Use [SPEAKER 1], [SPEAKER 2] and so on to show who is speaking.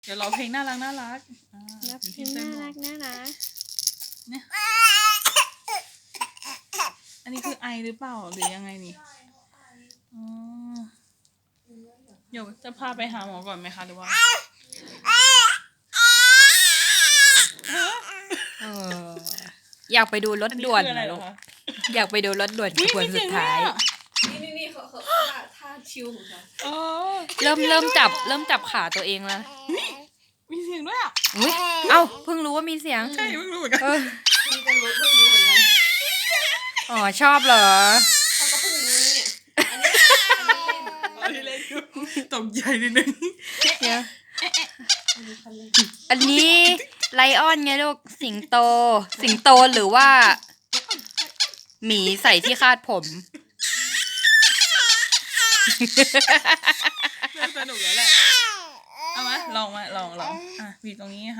[SPEAKER 1] เดี๋ยวร้องเพลงน่ารักน่ารัก
[SPEAKER 2] เพลงน่ารักน่ารัก
[SPEAKER 1] เนี่ยอันนี้คือไอหรือเปล่าหรือยังไงนี่อ๋อเดี๋ยวจะพาไปหาหมอก่อนไหมคะหรือว่า
[SPEAKER 2] อยากไปดูรถด่วน
[SPEAKER 1] อัคืออะไร
[SPEAKER 2] นะ
[SPEAKER 1] เหร
[SPEAKER 2] ลู
[SPEAKER 1] อก คะ
[SPEAKER 2] อยากไปดูรถด่วนขบวนสุดท้าย
[SPEAKER 3] นี่เขาท่าชิวของเขา
[SPEAKER 1] อ๋อ
[SPEAKER 2] เริ่มจับขาตัวเองแล้ว
[SPEAKER 1] มีเสียงด้วยอ่ะ
[SPEAKER 2] อุ๊ยเอ้าเพิ่งรู้ว่ามีเสียง
[SPEAKER 1] ใช่เพิ่งรู้เหมือนกัน
[SPEAKER 2] เออ
[SPEAKER 3] เพิ่งรู้เหมือนกัน
[SPEAKER 2] อ๋อชอบเหรอ
[SPEAKER 3] เขาก็เพิ่งรู้เนี่ย
[SPEAKER 1] อันนี้เล่นตกใจนิดนึง
[SPEAKER 2] เดี๋ยวอันนี้ไลออนไงลูกสิงโตหรือว่าหมีใส่ที่คาดผม
[SPEAKER 1] น่าสนุกแล้วแหละเอามาลองบีบตรงนี้